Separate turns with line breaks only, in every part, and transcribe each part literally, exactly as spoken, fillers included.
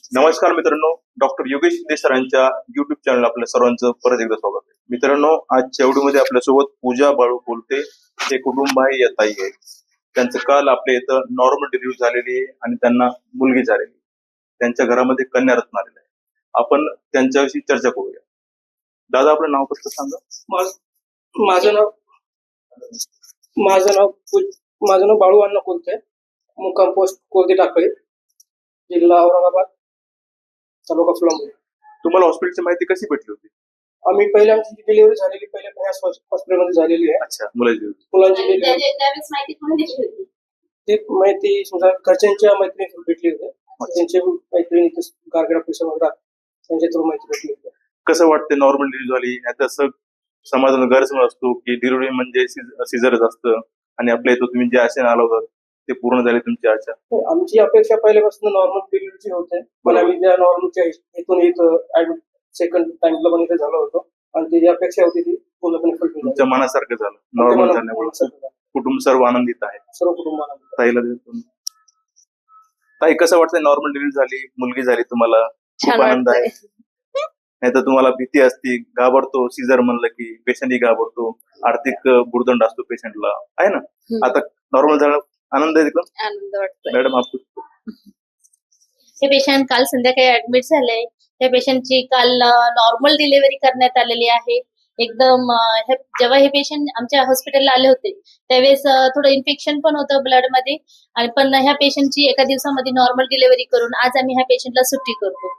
नमस्कार मित्रांनो, डॉक्टर योगेश शिंदे सरांच्या युट्यूब चॅनल आपल्या सर्वांचं परत एकदा स्वागत आहे. मित्रांनो, आजच्या व्हिडिओमध्ये आपल्यासोबत पूजा बाळू बोलते. हे कुटुंब आहे, या ताई आहे. त्यांचं काल आपल्या इथं नॉर्मल डिलिव्हरी झालेली आहे आणि त्यांना मुलगी झालेली. त्यांच्या घरामध्ये कन्यारत्न आलेलं आहे. आपण त्यांच्याविषयी चर्चा करूया. दादा, आपलं नाव कसं सांगा?
माझं नाव माझं नाव माझं नाव बाळू अण्णा कोलते, मुक्काम पोस्ट कोलते टाकळे, जिल्हा औरंगाबाद, तालुका फुलंब्री.
तुम्हाला हॉस्पिटलची माहिती कशी भेटली होती?
आम्ही पहिल्या आमची डिलिव्हरी झालेली पहिल्या हॉस्पिटलमध्ये झालेली आहे.
अच्छा, मुलाची
मुलांची डिलिव्हरी ती माहिती समजा घरच्यांच्या मैत्रिणी भेटली होती. त्यांच्या मैत्रिणी गारगडा परिसरामध्ये त्यांच्या थ्रू माहिती भेटली होती.
कसं वाटतं नॉर्मल डिलिव्हरी झाली? नाही तसं समाजाला गैरसमज असतो की डिलिव्हरी म्हणजे सिझरच असतं आणि आपल्या इथं तुम्ही जे आशेने आला होता ते पूर्ण झाले तुमची आशा?
आमची अपेक्षा पहिल्यापासून नॉर्मल डिलिव्हरीची होते, पण आम्ही त्या नॉर्मलच्या इथून इथं ऍडमिट सेकंड टाइमला पण इथे झालो होतो आणि ती जी अपेक्षा होती ती पूर्णपणे फुलफिल
तुमच्या मनासारखं झालं. नॉर्मल झाल्यामुळे कुटुंब सर्व आनंदित आहे.
सर्व कुटुंब आनंदित.
ताईला देतो. ताई, कसं वाटतंय नॉर्मल डिलिव्हरी झाली, मुलगी झाली, तुम्हाला खूप आनंद आहे? नाही तर तुम्हाला भीती असते, घाबरतो, सीझर म्हणलं की पेशंटही घाबरतो, आर्थिक भुर्दंड असतो पेशंटला, आहे ना? आता नॉर्मल झालं, आनंद आहे एकदम.
आनंद वाटतोय.
मॅडम, आपण
हे पेशंट काल संध्याकाळी ऍडमिट झाले. त्या पेशंटची काल नॉर्मल डिलिव्हरी करण्यात आलेली आहे. एकदम जेव्हा हे पेशंट आमच्या हॉस्पिटलला आले होते त्यावेळेस थोडं इन्फेक्शन पण होतं ब्लड मध्ये, आणि पण ह्या पेशंटची एका दिवसामध्ये नॉर्मल डिलिव्हरी करून आज आम्ही ह्या पेशंटला सुट्टी करतो.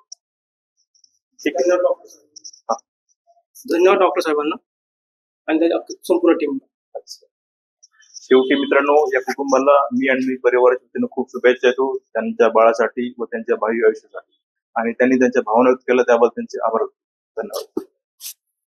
धन्यवाद डॉक्टर साहेबांना आणि त्याच्या संपूर्ण टीम.
शेवटी मित्रांनो, या कुटुंबाला मी आणि मी परिवाराच्या वतीनं खूप शुभेच्छा देतो त्यांच्या बाळासाठी व त्यांच्या भावी आयुष्यासाठी, आणि त्यांनी त्यांच्या भावना व्यक्त केल्या त्याबद्दल त्यांचे आभार. धन्यवाद.